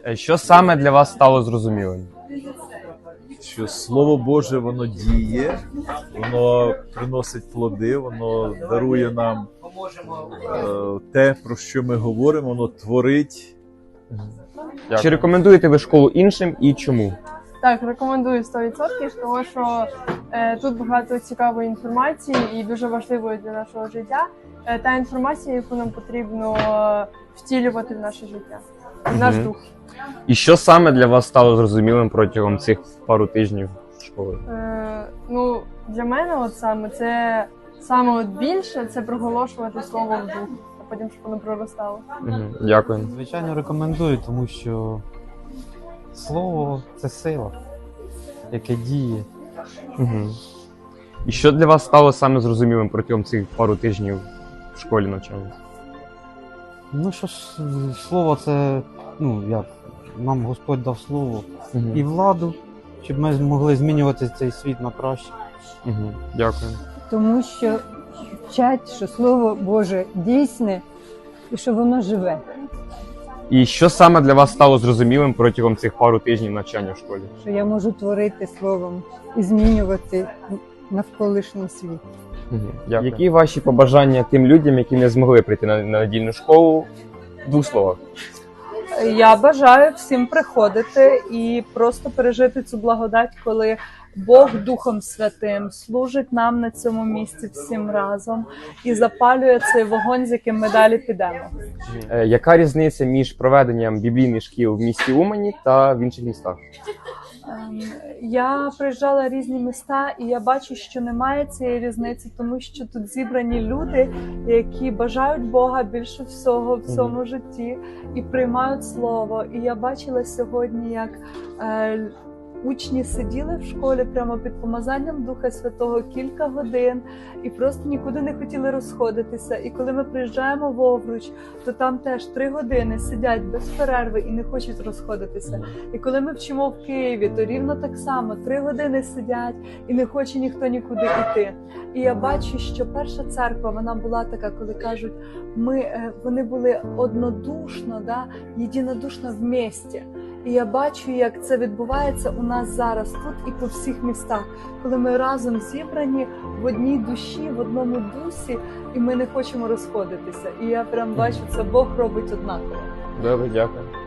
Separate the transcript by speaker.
Speaker 1: Що саме для вас стало зрозумілим?
Speaker 2: Що Слово Боже, воно діє, воно приносить плоди, воно дарує нам те, про що ми говоримо, воно творить.
Speaker 1: Чи рекомендуєте ви школу іншим і чому?
Speaker 3: Так, рекомендую 100%, тому що тут багато цікавої інформації і дуже важливої для нашого життя. Та інформація, яку нам потрібно втілювати в наше життя, в наш дух.
Speaker 1: І що саме для вас стало зрозумілим протягом цих пару тижнів школи?
Speaker 3: Ну, для мене саме більше це проголошувати слово в дух, а потім, щоб воно проростало.
Speaker 1: Дякую.
Speaker 4: Звичайно, рекомендую, тому що слово – це сила, яке діє.
Speaker 1: І що для вас стало саме зрозумілим протягом цих пару тижнів в школі навчання?
Speaker 4: Ну що ж, слово це, нам Господь дав слово і владу, щоб ми змогли змінювати цей світ на краще.
Speaker 1: Дякую.
Speaker 5: Тому що вчать, що Слово Боже дійсне і що воно живе.
Speaker 1: І що саме для вас стало зрозумілим протягом цих пару тижнів навчання в школі?
Speaker 5: Що я можу творити словом і змінювати навколишній світ.
Speaker 1: Дякую. Які ваші побажання тим людям, які не змогли прийти на недільну школу? В двох словах.
Speaker 6: Я бажаю всім приходити і просто пережити цю благодать, коли Бог Духом Святим служить нам на цьому місці всім разом і запалює цей вогонь, з яким ми далі підемо.
Speaker 1: Яка різниця між проведенням біблійних шкіл в місті Умані та в інших містах?
Speaker 6: Я приїжджала в різні міста, і я бачу, що немає цієї різниці, тому що тут зібрані люди, які бажають Бога більше всього в цьому житті і приймають слово. І я бачила сьогодні, як учні сиділи в школі прямо під помазанням Духа Святого кілька годин і просто нікуди не хотіли розходитися. І коли ми приїжджаємо в Овруч, то там теж 3 години сидять без перерви і не хочуть розходитися. І коли ми вчимо в Києві, то рівно так само 3 години сидять і не хоче ніхто нікуди йти. І я бачу, що перша церква, вона була така, коли кажуть, вони були однодушно, єдинодушно в місті. І я бачу, як це відбувається у нас зараз тут і по всіх містах, коли ми разом зібрані в одній душі, в одному дусі, і ми не хочемо розходитися. І я прям бачу, це Бог робить однаково.
Speaker 1: Добре, дякую.